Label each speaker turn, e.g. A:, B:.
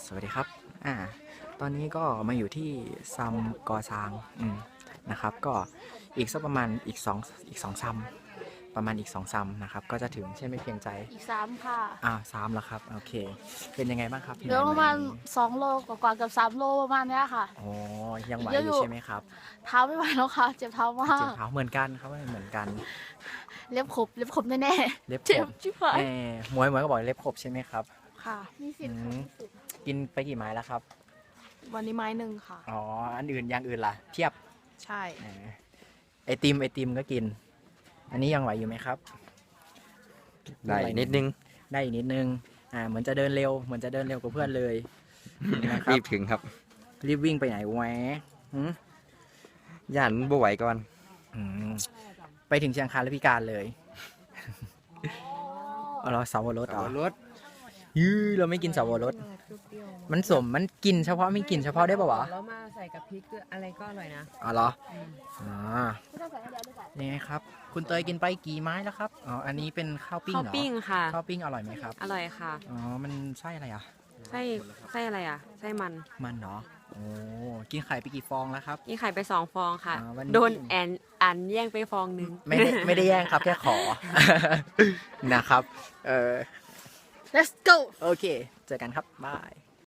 A: สวัสดีครับตอนนี้ก็มาอยู่ที่ซัมกอซางนะครับก็อีกสักประมาณอีกสองซัมประมาณอีก2 ซัมนะครับก็จะถึงใช่ไหมเพียงใจ
B: อีก3ค่ะ
A: 3แล้วครับโอเคเป็นยังไงบ้างครับ
B: เหลือประมาณ2 โลกว่าๆกับ3 โลประมาณเนี้ยค่ะ
A: อ๋อยังไหวอ
B: เยอะอยู่
A: ยู่ใช่ไหมครับ
B: เท้าไม่ไหวแล้วค่ะเจ็บเท้ามาก
A: เจ็บเท้าเหมือนกันครับเหมือนกัน
B: เล็บขบแน่
A: เล็บ
B: ๆ
A: ข
B: เจ็บ
A: บ
B: ชิบหาย
A: หมวยก็บอกเล็บขบใช่ไหมครับ
B: ค่ะมีสิทธิ์ค่ะมีสิทธิ์
A: กินไปกี่ไม้แล้วครับ
B: วันนี้ไม้หนึ่งค่ะ
A: อ๋ออันอื่นอย่างอื่นล่ะเทียบ
B: ใช่
A: ไอติมก็กิน อันนี้ยังไหวอยู่ไหมครับ
C: ได้นิดนึง
A: ได้อีกนิดนึงเหมือนจะเดินเร็วกว่าเพื่อนเลยนะครั
C: รี
A: บบ
C: ถึงครับ
A: รีบวิ่งไปไหนแหวหืม
C: ย่านบ่ไหวก่อน
A: อืมไปถึงเชียงคานแล้วพิการเลยเราเสาวรสเหรอ
C: รถ
A: เราไม่กินเสาวรสมันสมมันกินเฉพาะไม่กินเฉพาะได้ป่าวะ
D: แล้วมาใส่กับพริกอะไรก็อร่อยนะ
A: อ๋อเหรอนี่ไงครับ คุณเตยกินไปกี่ไม้แล้วครับอ๋ออันนี้เป็นข้าวปิ้ง
D: ข้าว
A: เหรอ
D: ปิ้งค่ะ
A: ข้าวปิ้งอร่อยไหมครับ
D: อร่อยค่ะ
A: อ๋อมันไส้อะไรอ่ะ
D: ไส้อะไรอ่ะ ไส้มัน
A: มันเนาะโอ้กินไข่ไปกี่ฟองแล้วครับ
D: นี่ไข่ไป2 ฟองค่ะ
A: วันนี้
D: โดนอันแย่งไปฟองนึง
A: ไม่ได้แย่งครับแค่ขอ นะครับ
B: let's go
A: โอเค เจอกันครับ บาย